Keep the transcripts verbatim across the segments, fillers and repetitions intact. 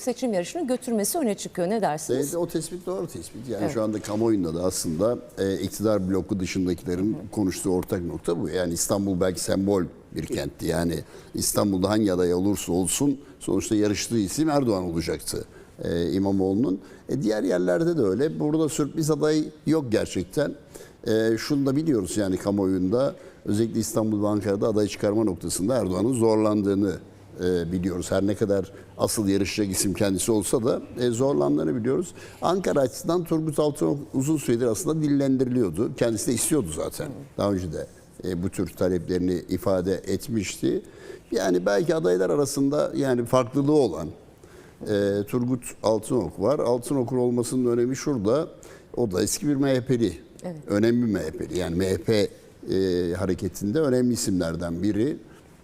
seçim yarışını götürmesi öne çıkıyor. Ne dersiniz? Evet, o tespit doğru tespit. Yani Evet. şu anda kamuoyunda da aslında e, iktidar bloku dışındakilerin hı hı. konuştuğu ortak nokta bu. Yani İstanbul belki sembol bir kentti. Yani İstanbul'da hangi aday olursa olsun sonuçta yarıştığı isim Erdoğan olacaktı. E, İmamoğlu'nun. E, diğer yerlerde de öyle. Burada sürpriz aday yok gerçekten. E, şunu da biliyoruz yani kamuoyunda özellikle İstanbul ve Ankara'da aday çıkarma noktasında Erdoğan'ın zorlandığını e, biliyoruz. Her ne kadar asıl yarışacak isim kendisi olsa da e, zorlandığını biliyoruz. Ankara açısından Turgut Altınok uzun süredir aslında dillendiriliyordu. Kendisi de istiyordu zaten. Daha önce de e, bu tür taleplerini ifade etmişti. Yani belki adaylar arasında yani farklılığı olan e, Turgut Altınok var. Altınok'un olmasının önemi şurada. O da eski bir M H P'li. Evet. Önemli M H P'li. Yani M H P e, hareketinde önemli isimlerden biri.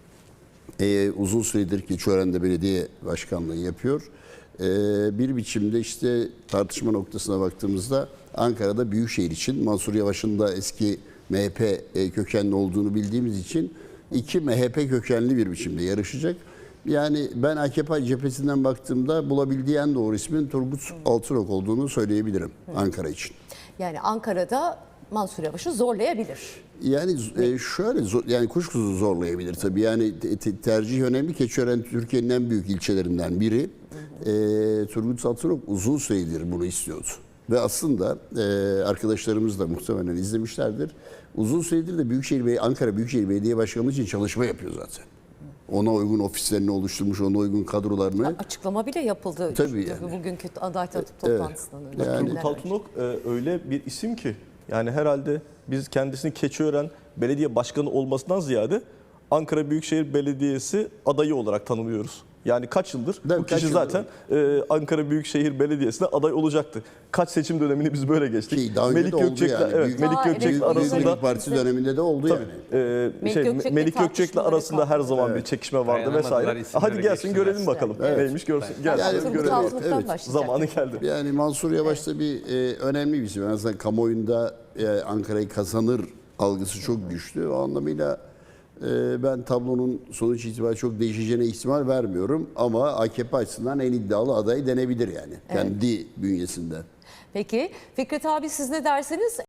E, uzun süredir Keçiören'de belediye başkanlığı yapıyor. E, bir biçimde işte tartışma noktasına baktığımızda Ankara'da Büyükşehir için Mansur Yavaş'ın da eski M H P kökenli olduğunu bildiğimiz için iki M H P kökenli bir biçimde yarışacak. Yani ben A K P cephesinden baktığımda bulabildiği en doğru ismin Turgut Altınok olduğunu söyleyebilirim Ankara için. Yani Ankara'da Mansur Yavaş'ı zorlayabilir. Yani e, şöyle yani kuşkusuz zorlayabilir tabii. Yani te, tercih önemli. Keçiören Türkiye'nin en büyük ilçelerinden biri. Hı hı. E, Turgut Altınok uzun süredir bunu istiyordu. Ve aslında e, arkadaşlarımız da muhtemelen izlemişlerdir. Uzun süredir de Büyükşehir Bey Ankara Büyükşehir Belediye Başkanlığı için çalışma yapıyor zaten. Ona uygun ofislerini oluşturmuş, ona uygun kadrolarını. Açıklama bile yapıldı. Tabii yani. Bugünkü aday toplantısından evet. önce. Yani Turgut Altınok e, öyle bir isim ki yani herhalde biz kendisini Keçiören Belediye Başkanı olmasından ziyade Ankara Büyükşehir Belediyesi adayı olarak tanımlıyoruz. Yani kaç yıldır Değil bu kişi zaten e, Ankara Büyükşehir Belediyesi'ne aday olacaktı. Kaç seçim dönemini biz böyle geçtik. Ki daha önce Melik de oldu Gökçek'le yani. evet, Büyük, Melik Aa, Gökçek'le evet, arasında Büyük Partisi döneminde de oldu tabii, yani. e, Melik şey, Gökçek'le Melik Gökçek'le tartışmaları arasında her zaman kalktı. bir çekişme vardı Dayanamadılar, vesaire. isimleri Hadi gelsin göksünler. görelim bakalım. Evet. Neymiş görsün. Yani Gelsin Turgut görelim. Altınok'tan Evet. başlayacak. Zamanı geldi. Yani Mansur Yavaş da bir e, önemli bir isim. En azından kamuoyunda e, Ankara'yı kazanır algısı çok güçlü. O anlamıyla e, ben tablonun sonuç itibariyle çok değişeceğine ihtimal vermiyorum. Ama A K P açısından en iddialı aday denebilir yani. Evet. Kendi bünyesinde. Peki Fikret abi siz ne dersiniz?